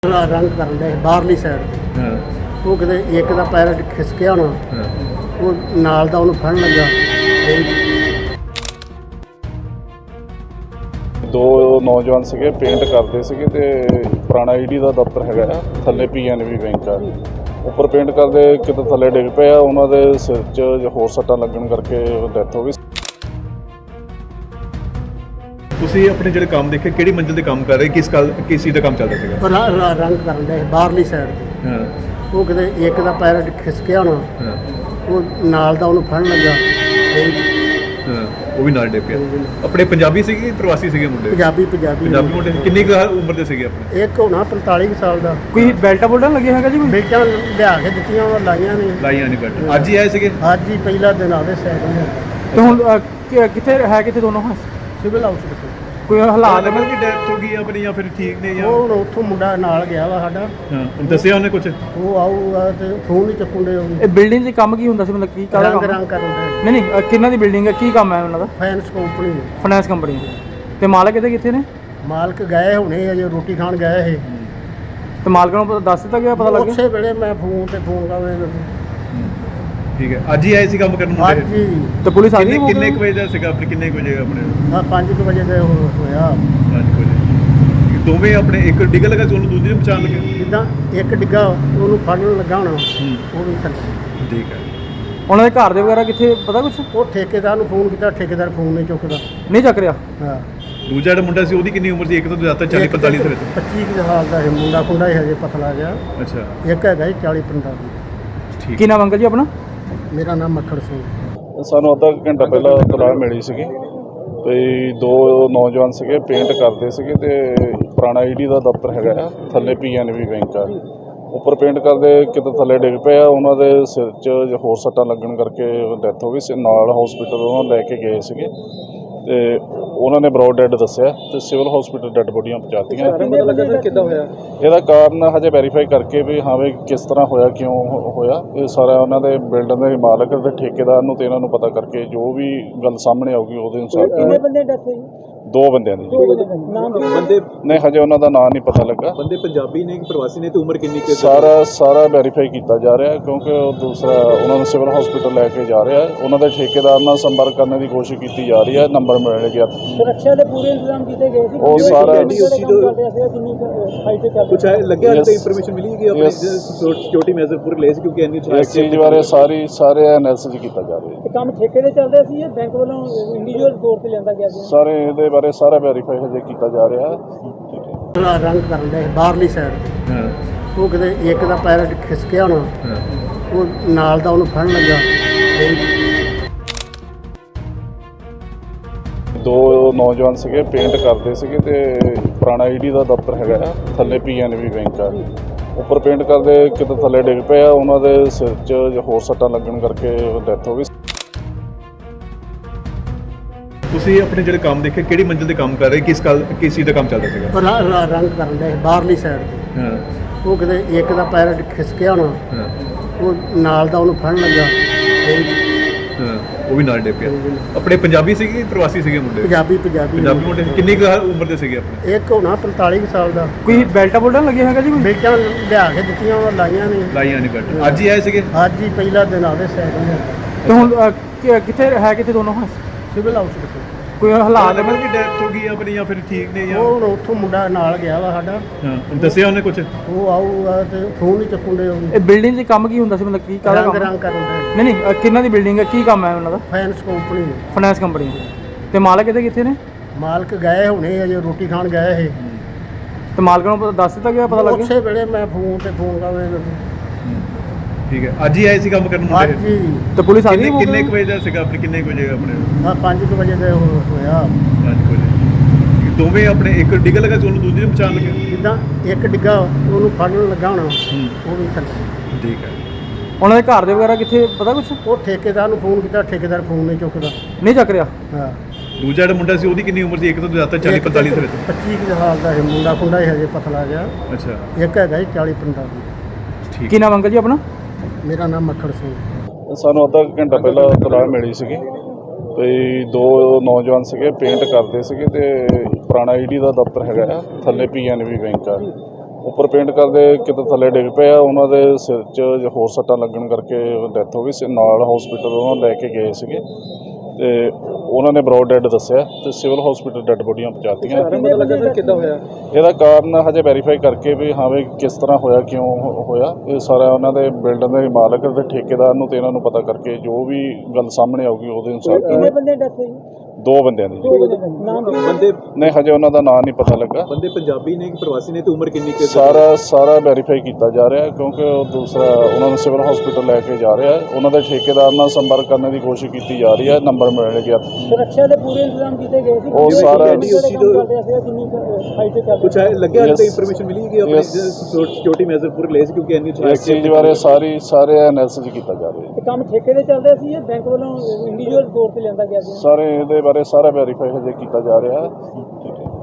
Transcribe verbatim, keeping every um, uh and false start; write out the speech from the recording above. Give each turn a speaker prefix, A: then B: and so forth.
A: रंग करन day बाहरली side ते वो किते एक दा पैर खिसकिया होना वो नाल दा उन्हें फड़न लगा।
B: दो नौजवान सीगे पेंट करते सीगे ते पुराना ईडी का दफ्तर हैगा थल्ले पी एन बी बैंक आ उपर पेंट करते किते थल्ले डिग पे उन्होंने सिर च होर सट्टां लगन करके डैथ हो गई।
C: ਤੁਸੀਂ ਆਪਣੇ ਜਿਹੜੇ ਕੰਮ ਦੇਖੇ ਕਿਹੜੀ ਮੰਜ਼ਿਲ ਤੇ ਕੰਮ ਕਰ ਰਹੇ ਕਿਸ ਗੱਲ ਕਿਸ ਚੀਜ਼ ਦਾ ਕੰਮ ਚੱਲਦਾ ਸੀਗਾ?
A: ਰ- ਰ- ਰੰਗ ਕਰਨ ਡे ਬਾਹਰਲੀ ਸਾਈਡ ਤੇ
C: ਹਾਂ
A: ਉਹ ਕਿਤੇ ਇੱਕ ਦਾ ਪੈਰ ਖਿਸਕਿਆ ਹੋਣਾ
C: ਹਾਂ
A: ਉਹ ਨਾਲ ਦਾ ਉਹਨੂੰ ਫੜਨ ਲੱਗਾ।
C: ਹਾਂ ਉਹ ਵੀ ਨਾਲ ਡੇ ਪਿਆ। ਆਪਣੇ ਪੰਜਾਬੀ ਸੀਗੇ ਕਿ ਪ੍ਰਵਾਸੀ ਸੀਗੇ ਮੁੰਡੇ?
A: ਪੰਜਾਬੀ ਪੰਜਾਬੀ
C: ਪੰਜਾਬੀ ਮੁੰਡੇ ਕਿੰਨੀ ਕੁ ਉਮਰ ਦੇ ਸੀਗੇ ਆਪਣੇ?
A: ਇੱਕ ਹੋਣਾ ਪੰਤਾਲੀ ਕੁ ਸਾਲ ਦਾ।
D: ਕੋਈ ਬੈਲਟਾ ਬੁਲਟਾ ਲੱਗਿਆ ਹੈਗਾ ਜੀ ਕੋਈ?
A: ਬੇਟਾਂ ਲਿਆ ਕੇ ਦਿੱਤੀਆਂ ਉਹ ਲਾਈਆਂ ਨੇ
C: ਲਾਈਆਂ ਨਹੀਂ ਬੈਠ ਅੱਜ ਹੀ ਆਏ ਸੀਗੇ?
A: ਅੱਜ ਹੀ ਪਹਿਲਾ ਦਿਨ ਆਵੇ ਸਾਈਡ
D: ਤੇ ਹੁਣ ਅ, ਕਿ- ਕਿੱਥੇ ਹੈ ਕਿੱਥੇ ਦੋਨੋਂ ਹੁਣ?
A: ਸਿਵਲ ਹਾਊਸ ਵਿੱਚ
D: ਕੋਈ ਹਾਲਾਤ
C: ਲੱਗਦਾ ਕਿ ਡੈਥ ਹੋ ਗਈ ਆਪਣੀ ਜਾਂ ਫਿਰ ਠੀਕ ਨੇ ਜਾਂ
A: ਉਹ ਹੁਣ ਉੱਥੋਂ ਮੁੰਡਾ ਨਾਲ ਗਿਆ ਵਾ ਸਾਡਾ
C: ਹਾਂ ਦੱਸਿਆ ਉਹਨੇ ਕੁਝ?
A: ਉਹ ਆਊਗਾ ਤੇ ਫੋਨ ਨਹੀਂ ਚੱਕੂਗੇ
D: ਇਹ ਬਿਲਡਿੰਗ 'ਚ ਕੰਮ ਕੀ ਹੁੰਦਾ ਸੀ, ਮਤਲਬ ਕੀ ਕਾਹਦਾ
A: ਰੰਗ
D: ਕੰਮ?
A: ਰੰਗ ਕਰਨ ਦੇ
D: ਨਹੀਂ ਨਹੀਂ ਅ, ਕਿਹਨਾਂ ਦੀ ਬਿਲਡਿੰਗ ਹੈ, ਕੀ ਕੰਮ ਹੈ ਉਹਨਾਂ ਦਾ?
A: ਫਾਈਨੈਂਸ ਕੰਪਨੀ
D: ਫਾਈਨੈਂਸ ਕੰਪਨੀ ਤੇ ਮਾਲਕ ਕਿਤੇ ਕਿੱਥੇ ਨੇ?
A: ਮਾਲਕ ਗਏ ਹੁਣੇ ਅਜੇ ਰੋਟੀ ਖਾਣ ਗਏ ਇਹ
D: ਤੇ ਮਾਲਕ ਨੂੰ ਪਤਾ ਦੱਸ ਦਿੱਤਾ ਗਿਆ, ਪਤਾ ਲੱਗ ਗਿਆ?
A: ਉਸੇ ਵੇਲੇ ਮੈਂ ਫੋਨ ਤੇ ਫੋਨ ਕਰਾਵੇ
C: ਠੀਕ ਹੈ ਅੱਜ ਹੀ ਆਏ ਸੀ ਕੰਮ ਕਰਨ
A: ਅੱਜ
C: ਮੁੰਡੇ?
A: ਹੀ
D: ਤੇ ਪੁਲਿਸ ਆ ਗਈ
C: ਕਿੰਨੇ
D: ਮੌਕੇ
C: ਕਿੰਨੇ
D: ਤੇ?
C: ਕੁ ਵਜੇ ਦਾ ਸੀਗਾ ਆਪਣੇ ਕਿੰਨੇ ਕੁ ਵਜੇ ਆਪਣੇ?
A: ਆ ਪੰਜ ਕੁ ਵਜੇ ਦੇ ਹੋ- ਹੋਇਆ
C: ਪੰਜ ਕੁ ਵਜੇ ਦੋਵੇਂ ਆਪਣੇ ਇੱਕ ਡਿੱਗ ਲਗਾ ਸੀ ਉਹਨੂੰ ਦੂਜੇ ਨੂੰ ਬਚਾਉਣ ਲੱਗੇ?
A: ਜਿੱਦਾਂ ਇੱਕ ਡਿੱਗਾ ਉਹਨੂੰ ਫੜਨ ਲੱਗਾ ਹੋਣਾ ਉਹ ਵੀ ਥੱਲੇ।
C: ਠੀਕ ਹੈ
D: ਉਹਨਾਂ ਦੇ ਘਰ ਦੇ ਵਗੈਰਾ ਕਿੱਥੇ, ਪਤਾ ਕੁਛ?
A: ਉਹ ਠੇਕੇਦਾਰ ਨੂੰ ਫੋਨ ਕੀਤਾ, ਠੇਕੇਦਾਰ ਫੋਨ ਨਹੀਂ ਚੁੱਕਦਾ।
D: ਨਹੀਂ ਚੱਕ ਰਿਹਾ?
A: ਹਾਂ
C: ਦੂਜਾ ਜਿਹੜਾ ਮੁੰਡਾ ਸੀ ਉਹਦੀ ਕਿੰਨੀ ਉਮਰ ਸੀ? ਇੱਕ ਤੋਂ ਜ਼ਿਆਦਾ ਚਾਲੀ ਪੰਤਾਲੀ ਦੇ ਵਿੱਚ?
A: ਪੱਚੀ ਕੁ ਸਾਲ ਦਾ ਇਹ ਮੁੰਡਾ ਖੁੰਡਾ ਹੀ ਹਜੇ ਪਤਲਾ ਗਿਆ।
C: ਅੱਛਾ
A: ਇੱਕ ਹੈਗਾ ਜੀ ਚਾਲੀ ਪੰਤਾਲੀ।
C: ਠੀਕ
D: ਕੀ ਨਾਮ ਅੰਕਲ ਜੀ ਆਪਣਾ?
A: ਮੇਰਾ ਨਾਮ ਮੱਖਣ ਸਿੰਘ।
B: ਸਾਨੂੰ ਅੱਧਾ ਕੁ ਘੰਟਾ ਪਹਿਲਾਂ ਤਲਾਹ ਮਿਲੀ ਸੀਗੀ ਤੇ ਦੋ ਨੌਜਵਾਨ ਸੀਗੇ ਪੇਂਟ ਕਰਦੇ ਸੀਗੇ ਤੇ ਪੁਰਾਣਾ ਈਡੀ ਦਾ ਦਫ਼ਤਰ ਹੈਗਾ ਥੱਲੇ ਪੀ ਐਨ ਬੀ बैंक ਆ ਉੱਪਰ ਪੇਂਟ ਕਰਦੇ ਕਿਤੇ ਥੱਲੇ ਡਿੱਗ ਪਏ ਆ ਉਹਨਾਂ ਦੇ ਸਿਰ 'ਚ ਹੋਰ ਸੱਟਾਂ ਲੱਗਣ ਕਰਕੇ ਡੈਥ ਹੋ ਗਈ ਸੀ। ਨਾਲ ਹਸਪੀਟਲ ਉਹਨਾਂ ਨੂੰ ਲੈ ਕੇ ਗਏ ਸੀਗੇ ਤੇ ਉਹਨਾਂ ਨੇ ਬਰੋਡ ਡੈਡ ਦੱਸਿਆ ਤੇ ਸਿਵਲ ਹਸਪੀਟਲ ਡੈਡ ਬੋਡੀਆਂ ਪਹੁੰਚਾਤੀਆਂ।
D: ਕਿੱਦਾਂ ਹੋਇਆ?
B: ਇਹਦਾ ਕਾਰਨ ਹਜੇ ਵੈਰੀਫਾਈ ਕਰਕੇ ਵੀ ਹਾਂ ਵੀ ਕਿਸ ਤਰ੍ਹਾਂ ਹੋਇਆ, ਕਿਉਂ ਹੋ- ਹੋਇਆ ਇਹ ਸਾਰਾ ਉਹਨਾਂ ਦੇ ਬਿਲਡਿੰਗ ਦੇ ਮਾਲਕ ਤੇ ਠੇਕੇਦਾਰ ਨੂੰ ਤੇ ਇਹਨਾਂ ਨੂੰ ਪਤਾ ਕਰਕੇ ਜੋ ਵੀ ਗੱਲ ਸਾਹਮਣੇ ਆਊਗੀ ਉਹਦੇ ਅਨੁਸਾਰ
D: ਕਿੰਨੇ ਬੰਦੇ ਡੈਥ ਹੋਈ?
B: ਦੋ ਬੰਦਿਆਂ ਦੀ
D: ਨਾਮ
C: ਬੰਦੇ
B: ਨਹੀਂ ਹਜੇ ਉਹਨਾਂ ਦਾ ਨਾਂ ਨਹੀਂ ਪਤਾ ਲੱਗਾ।
C: ਬੰਦੇ ਪੰਜਾਬੀ ਨੇ ਕਿ ਪ੍ਰਵਾਸੀ ਨੇ ਤੇ ਉਮਰ ਕਿੰਨੀ ਕੁ?
B: ਸਾਰਾ ਸਾਰਾ ਵੈਰੀਫਾਈ ਕੀਤਾ ਜਾ ਰਿਹਾ ਕਿਉਂਕਿ ਉਹ ਦੂਸਰਾ ਉਹਨਾਂ ਨੂੰ ਸਿਵਲ ਹਸਪੀਟਲ ਲੈ ਕੇ ਜਾ ਰਿਹਾ। ਉਹਨਾਂ ਦੇ ਠੇਕੇਦਾਰ ਨਾਲ ਸੰਪਰਕ ਕਰਨ ਦੀ ਕੋਸ਼ਿਸ਼ ਕੀਤੀ ਜਾ ਰਹੀ ਹੈ। ਨੰਬਰ ਮਿਲ ਗਿਆ।
D: ਸੁਰੱਖਿਆ ਦੇ ਪੂਰੇ ਇੰਤਜ਼ਾਮ ਕੀਤੇ ਗਏ ਸੀ?
B: ਉਹ ਸਾਰਾ
C: ਕੁਝ ਲੱਗਿਆ
B: Yes.
C: ਤੇ ਇਨਫੋਰਮੇਸ਼ਨ ਮਿਲੀ ਕਿ ਆਪਣੇ
B: Yes.
C: ਸਿਕਿਉਰਿਟੀ ਮੈਜ਼ਰ ਪੂਰੇ ਲਏ ਸੀ ਕਿਉਂਕਿ ਐਨੀ
B: ਇਸ ਚੀਜ਼ ਬਾਰੇ ਸਾਰੀ ਸਾਰੇ ਐਨਾਲਿਸਿਸ ਕੀਤਾ ਜਾ ਰਿਹਾ ਹੈ।
D: ਕੰਮ ਠੇਕੇ ਦੇ ਚੱਲ ਰਿਹਾ ਸੀ ਜਾਂ ਬੈਂਕ ਵੱਲੋਂ ਇੰਡੀਵਿਜੂਅਲ ਤੌਰ ਤੇ ਲਿਆਂਦਾ ਗਿਆ ਸੀ?
B: ਸਾਰੇ ਇਹਦੇ ਬਾਰੇ ਸਾਰਾ ਵੈਰੀਫਾਈ ਹਜੇ ਕੀਤਾ ਜਾ ਰਿਹਾ ਹੈ। ਠੀਕ ਹੈ
A: ਰ- ਰੰਗ ਕਰਨ ਦੇ ਬਾਹਰਲੀ ਸਾਈਡ ਤੇ
C: ਹਾਂ
A: ਉਹ ਕਿਤੇ ਇੱਕ ਦਾ ਪੈਰ ਖਿਸਕਿਆ ਹੋਣਾ
C: ਹਾਂ
A: ਉਹ ਨਾਲ ਦਾ ਉਹਨੂੰ ਫੜਨ ਲੱਗਾ।
B: ਦੋ ਨੌਜਵਾਨ ਸੀਗੇ ਪੇਂਟ ਕਰਦੇ ਸੀਗੇ ਤੇ ਪੁਰਾਣਾ ਈਡੀ ਦਾ ਦਫ਼ਤਰ ਹੈਗਾ ਥੱਲੇ ਪੀ ਐਨ ਬੀ बैंक ਆ ਉੱਪਰ ਪੇਂਟ ਕਰਦੇ ਕਿਤੇ ਥੱਲੇ ਡਿੱਗ ਪਏ ਆ ਉਹਨਾਂ ਦੇ ਸਿਰ 'ਚ ਹੋਰ ਸੱਟਾਂ ਲੱਗਣ ਕਰਕੇ ਡੈਥ ਹੋ ਗਈ।
C: ਤੁਸੀਂ ਆਪਣੇ ਜਿਹੜੇ ਕੰਮ ਦੇਖੇ ਕਿਹੜੀ ਮੰਜ਼ਿਲ ਤੇ ਕੰਮ ਕਰ ਰਹੇ ਕਿਸ ਗੱਲ ਕਿਸ ਚੀਜ਼ ਦਾ ਕੰਮ ਚੱਲਦਾ ਸੀਗਾ?
A: ਰ- ਰ- ਰੰਗ ਕਰਨ ਦੇ ਬਾਹਰਲੀ ਸਾਈਡ ਤੇ
C: ਹਾਂ
A: ਉਹ ਕਿਤੇ ਇੱਕ ਦਾ ਪੈਰ ਖਿਸਕਿਆ ਹੋਣਾ
C: ਹਾਂ
A: ਉਹ ਨਾਲ ਦਾ ਉਹਨੂੰ ਫੜਨ ਲੱਗਾ।
C: ਹਾਂ ਉਹ ਵੀ ਨਾਲ ਡੇ ਪਿਆ। ਆਪਣੇ ਪੰਜਾਬੀ ਸੀਗੇ ਕਿ ਪ੍ਰਵਾਸੀ ਸੀਗੇ ਮੁੰਡੇ?
A: ਪੰਜਾਬੀ ਪੰਜਾਬੀ
C: ਪੰਜਾਬੀ ਮੁੰਡੇ ਕਿੰਨੀ ਕੁ ਉਮਰ ਦੇ ਸੀਗੇ ਆਪਣੇ?
A: ਇੱਕ ਹੋਣਾ ਪੰਤਾਲੀ ਕੁ ਸਾਲ ਦਾ।
D: ਕੋਈ ਬੈਲਟਾ ਬੁਲਟਾ ਲੱਗਿਆ ਹੈਗਾ ਜੀ ਕੋਈ?
A: ਬੇਟਾਂ ਲਿਆ ਕੇ ਦਿੱਤੀਆਂ ਉਹ ਲਾਈਆਂ ਨੇ
C: ਲਾਈਆਂ ਨਹੀਂ ਬੈਠ ਅੱਜ ਹੀ ਆਏ ਸੀਗੇ?
A: ਅੱਜ ਹੀ ਪਹਿਲਾ ਦਿਨ ਆਵੇ ਸਾਈਡ
D: ਤੇ ਹੁਣ ਅ, ਕਿ- ਕਿੱਥੇ ਹੈ ਕਿੱਥੇ ਦੋਨੋਂ ਹੁਣ?
A: ਸਿਵਲ ਹਾਊਸ ਵਿੱਚ।
D: ਕੋਈ ਹਾਲਾਤ
C: ਲੱਗਦਾ ਕਿ ਡੈਥ ਹੋ ਗਈ ਆਪਣੀ ਜਾਂ ਫਿਰ ਠੀਕ ਨੇ ਜਾਂ
A: ਉਹ ਹੁਣ ਉੱਥੋਂ ਮੁੰਡਾ ਨਾਲ ਗਿਆ ਵਾ ਸਾਡਾ
C: ਹਾਂ ਦੱਸਿਆ ਉਹਨੇ ਕੁਝ?
A: ਉਹ ਆਊਗਾ ਤੇ ਫੋਨ ਨਹੀਂ ਚੱਕੂਗੇ
D: ਇਹ ਬਿਲਡਿੰਗ 'ਚ ਕੰਮ ਕੀ ਹੁੰਦਾ ਸੀ, ਮਤਲਬ ਕੀ ਕਾਹਦਾ
A: ਰੰਗ
D: ਕੰਮ?
A: ਰੰਗ ਕਰਨ ਦੇ
D: ਨਹੀਂ ਨਹੀਂ ਅ, ਕਿਹਨਾਂ ਦੀ ਬਿਲਡਿੰਗ ਹੈ, ਕੀ ਕੰਮ ਹੈ ਉਹਨਾਂ ਦਾ?
A: ਫਾਈਨੈਂਸ ਕੰਪਨੀ
D: ਫਾਈਨੈਂਸ ਕੰਪਨੀ ਤੇ ਮਾਲਕ ਕਿਤੇ ਕਿੱਥੇ ਨੇ?
A: ਮਾਲਕ ਗਏ ਹੁਣੇ ਅਜੇ ਰੋਟੀ ਖਾਣ ਗਏ ਇਹ
D: ਤੇ ਮਾਲਕ ਨੂੰ ਪਤਾ ਦੱਸ ਦਿੱਤਾ ਗਿਆ, ਪਤਾ ਲੱਗ ਗਿਆ?
A: ਉਸੇ ਵੇਲੇ ਮੈਂ ਫੋਨ ਤੇ ਫੋਨ ਕਰਾਵੇ
C: ਠੀਕ ਹੈ ਅੱਜ ਹੀ ਆਏ ਸੀ ਕੰਮ ਕਰਨ
A: ਅੱਜ
C: ਮੁੰਡੇ?
A: ਹੀ
D: ਤੇ ਪੁਲਿਸ ਆ ਗਈ
C: ਕਿੰਨੇ
D: ਮੌਕੇ
C: ਕਿੰਨੇ
D: ਤੇ?
C: ਕੁ ਵਜੇ ਦਾ ਸੀਗਾ ਆਪਣੇ ਕਿੰਨੇ ਕੁ ਵਜੇ ਆਪਣੇ?
A: ਆ ਪੰਜ ਕੁ ਵਜੇ ਦੇ ਹੋ- ਹੋਇਆ
C: ਪੰਜ ਕੁ ਵਜੇ ਦੋਵੇਂ ਆਪਣੇ ਇੱਕ ਡਿੱਗ ਲਗਾ ਸੀ ਉਹਨੂੰ ਦੂਜੇ ਨੂੰ ਬਚਾਉਣ ਲੱਗੇ?
A: ਜਿੱਦਾਂ ਇੱਕ ਡਿੱਗਾ ਉਹਨੂੰ ਫੜਨ ਲੱਗਾ ਹੋਣਾ ਉਹ ਵੀ ਥੱਲੇ।
C: ਠੀਕ ਹੈ
D: ਉਹਨਾਂ ਦੇ ਘਰ ਦੇ ਵਗੈਰਾ ਕਿੱਥੇ, ਪਤਾ ਕੁਛ?
A: ਉਹ ਠੇਕੇਦਾਰ ਨੂੰ ਫੋਨ ਕੀਤਾ, ਠੇਕੇਦਾਰ ਫੋਨ ਨਹੀਂ ਚੁੱਕਦਾ।
D: ਨਹੀਂ ਚੱਕ ਰਿਹਾ?
A: ਹਾਂ
C: ਦੂਜਾ ਜਿਹੜਾ ਮੁੰਡਾ ਸੀ ਉਹਦੀ ਕਿੰਨੀ ਉਮਰ ਸੀ? ਇੱਕ ਤੋਂ ਜ਼ਿਆਦਾ ਚਾਲੀ ਪੰਤਾਲੀ ਦੇ ਵਿੱਚ?
A: ਪੱਚੀ ਕੁ ਸਾਲ ਦਾ ਇਹ ਮੁੰਡਾ ਖੁੰਡਾ ਹੀ ਹਜੇ ਪਤਲਾ ਗਿਆ।
C: ਅੱਛਾ
A: ਇੱਕ ਹੈਗਾ ਜੀ ਚਾਲੀ ਪੰਤਾਲੀ।
C: ਠੀਕ
D: ਕੀ ਨਾਮ ਅੰਕਲ ਜੀ ਆਪਣਾ?
A: ਮੇਰਾ ਨਾਮ ਮੱਖਣ ਸਿੰਘ।
B: ਸਾਨੂੰ ਅੱਧਾ ਕੁ ਘੰਟਾ ਪਹਿਲਾਂ ਤਲਾਹ ਮਿਲੀ ਸੀਗੀ ਤੇ ਦੋ ਨੌਜਵਾਨ ਸੀਗੇ ਪੇਂਟ ਕਰਦੇ ਸੀਗੇ ਤੇ ਪੁਰਾਣਾ ਈਡੀ ਦਾ ਦਫ਼ਤਰ ਹੈਗਾ ਥੱਲੇ ਪੀ ਐਨ ਬੀ बैंक ਆ ਉੱਪਰ ਪੇਂਟ ਕਰਦੇ ਕਿਤੇ ਥੱਲੇ ਡਿੱਗ ਪਏ ਆ, ਉਹਨਾਂ ਦੇ ਸਿਰ 'ਚ ਹੋਰ ਸੱਟਾਂ ਲੱਗਣ ਕਰਕੇ ਡੈਥ ਹੋ ਗਈ ਸੀ। ਨਾਲ ਹਸਪੀਟਲ ਉਹਨਾਂ ਨੂੰ ਲੈ ਕੇ ਗਏ ਸੀਗੇ ਤੇ ਉਹਨਾਂ ਨੇ ਬਰੋਡ ਡੈਡ ਦੱਸਿਆ ਤੇ ਸਿਵਲ ਹਸਪੀਟਲ ਡੈਡ ਬੋਡੀਆਂ ਪਹੁੰਚਾਤੀਆਂ।
D: ਪਤਾ ਲੱਗਾ ਸਰ ਕਿੱਦਾਂ ਹੋਇਆ?
B: ਇਹਦਾ ਕਾਰਨ ਹਜੇ ਵੈਰੀਫਾਈ ਕਰਕੇ ਵੀ ਹਾਂ ਵੀ ਕਿਸ ਤਰ੍ਹਾਂ ਹੋਇਆ, ਕਿਉਂ ਹੋ- ਹੋਇਆ, ਇਹ ਸਾਰਾ ਉਹਨਾਂ ਦੇ ਬਿਲਡਿੰਗ ਦੇ ਮਾਲਕ ਤੇ ਠੇਕੇਦਾਰ ਨੂੰ ਤੇ ਇਹਨਾਂ ਨੂੰ ਪਤਾ ਕਰਕੇ ਜੋ ਵੀ ਗੱਲ ਸਾਹਮਣੇ ਆਊਗੀ ਉਹਦੇ ਅਨੁਸਾਰ
D: ਕਿੰਨੇ ਬੰਦੇ ਡੈਥ ਹੋਈ?
B: ਦੋ ਬੰਦਿਆਂ ਦੀ ਜੀ।
D: ਨਾਮ ਕੀ?
C: ਬੰਦੇ
B: ਨਹੀਂ ਹਜੇ ਉਹਨਾਂ ਦਾ ਨਾਂ ਨਹੀਂ ਪਤਾ ਲੱਗਾ।
C: ਬੰਦੇ ਪੰਜਾਬੀ ਨੇ ਕਿ ਪ੍ਰਵਾਸੀ ਨੇ ਤੇ ਉਮਰ ਕਿੰਨੀ ਕੁ?
B: ਸਾਰਾ ਸਾਰਾ ਵੈਰੀਫਾਈ ਕੀਤਾ ਜਾ ਰਿਹਾ ਹੈ ਕਿਉਂਕਿ ਉਹ ਦੂਸਰਾ ਉਹਨਾਂ ਨੂੰ ਸਿਵਲ ਹਸਪੀਟਲ ਲੈ ਕੇ ਜਾ ਰਿਹਾ ਹੈ। ਉਹਨਾਂ ਦੇ ਠੇਕੇਦਾਰ ਨਾਲ ਸੰਪਰਕ ਕਰਨ ਦੀ ਕੋਸ਼ਿਸ਼ ਕੀਤੀ ਜਾ ਰਹੀ ਹੈ, ਨੰਬਰ ਮਿਲ ਗਿਆ।
D: ਸੁਰੱਖਿਆ ਦੇ ਪੂਰੇ ਇੰਤਜ਼ਾਮ ਕੀਤੇ ਗਏ ਸੀ।
B: ਉਹ ਸਾਰਾ
C: ਕੁਛ ਹੈ ਲੱਗਿਆ
B: Yes.
C: ਤੇ ਇਨਫੋਰਮੇਸ਼ਨ ਮਿਲੀ ਕਿ ਆਪਣੇ
B: Yes.
C: ਸਿਕਿਉਰਿਟੀ ਮੈਜ਼ਰ ਪੂਰੇ ਲਏ ਸੀ ਕਿਉਂਕਿ ਇੰਨੀ
B: ਇਸ ਚੀਜ਼ ਬਾਰੇ ਸਾਰੀ ਸਾਰੇ ਐਨਾਲਿਸਿਸ ਕੀਤਾ ਜਾ ਰਿਹਾ ਹੈ।
D: ਇਹ ਕੰਮ ਠੇਕੇ ਦੇ ਚੱਲਦੇ ਸੀ ਜਾਂ ਬੈਂਕ ਵੱਲੋਂ ਇੰਡੀਵਿਜੂਅਲ ਤੌਰ ਤੇ ਲਿਆਂਦਾ ਗਿਆ ਸੀ?
B: ਸਾਰੇ ਇਹਦੇ ਬਾਰੇ ਸਾਰਾ ਵੈਰੀਫਾਈ ਹਜੇ ਕੀਤਾ ਜਾ ਰਿਹਾ ਹੈ।